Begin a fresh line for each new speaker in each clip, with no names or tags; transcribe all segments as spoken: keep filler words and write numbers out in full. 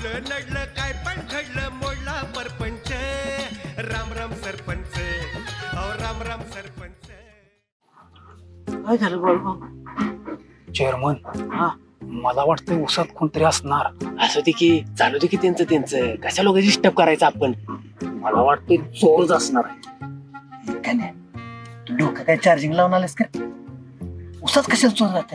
उडलं नडलं काय पण घडलं मोडला परपंच. राम राम सरपंच, अहो राम राम सरपंच.
काय झालं बाळू?
चेअरमन
हा
मला वाटतं उसात कोणतरी असणार.
असं दे की चालू दे की त्यांचं त्यांचं कशा लोक डिस्टर्ब करायचं आपण.
मला वाटतं चोरच असणार आहे.
काय नाही तू डोकं काय चार्जिंग लावून आलेस का? उसाच कशाला चोर जाते?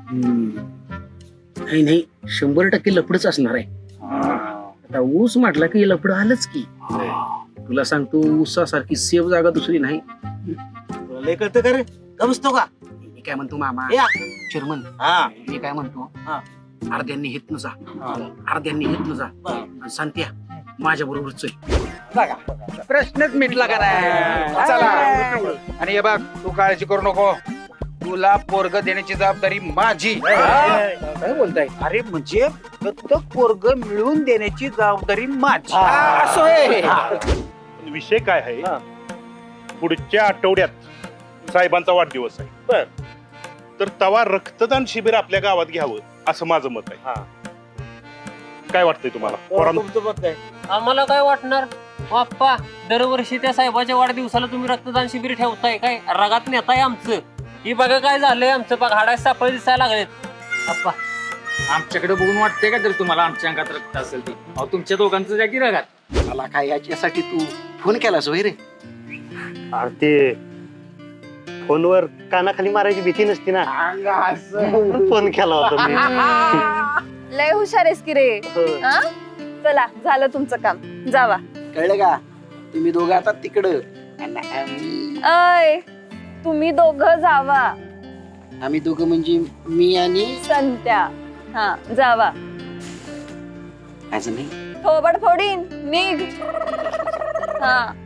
नाही नाही शंभर टक्के लपडच असणार आहे. आता ऊस म्हटला की लपड आलंच की. तुला सांगतो ऊसासारखी सेफ जागा दुसरी नाही.
लय कळतं का रे? का बसतो का?
मी काय म्हणतो मामा
या.
चेअरमन
हा
मी काय म्हणतो
हा.
अर्ध्यांनी हितनं जा अर्ध्यांनी हितनं जा आणि सांगत्या माझ्या बरोबर चल.
प्रश्नच मिटला का नाही. चला आणि हे बघ तू काळजी करू नको. तुला पोरग देण्याची जबाबदारी माझी.
काय बोलताय?
अरे म्हणजे प्रत्येक पोरग मिळवून देण्याची जबाबदारी माझी. असं आहे.
पण विषय काय आहे, पुढच्या आठवड्यात साहेबांचा वाढदिवस आहे. बर तर तवा रक्तदान शिबिर आपल्या गावात घ्यावं असं माझं मत आहे. काय वाटतंय तुम्हाला पोरांनो?
तुमचं मत काय?
आम्हाला काय वाटणार बाप्पा, दरवर्षी त्या साहेबाच्या वाढदिवसाला तुम्ही रक्तदान शिबिर ठेवताय काय? रगात नेताय आमचं. ही बघा काय झालंय आमचं, बघा हाडाय सापळे दिसायला लागलेत. बाप्पा
आमच्याकडे बघून वाटतंय का तर तुम्हाला आमच्या अंगात रक्त असेल ती? अहो तुमच्या दोघांचं जागी रगात.
मला काय याच्यासाठी तू फोन केलास वय रे?
अरे ते फोनवर कानाखाली मारायची भीती नसती ना, फोन केला होता मी.
लय हुशार आहेस की रे. हा? चला झालं तुमचं काम, जावा.
कळलं का? तुम्ही दोघं आता तिकडं आणि आम्ही
अय तुम्ही दोघं जावा.
आम्ही दोघं म्हणजे मी आणि
संत्या. हा जावा.
असं नाही.
थोबड फोडीन निघ. हा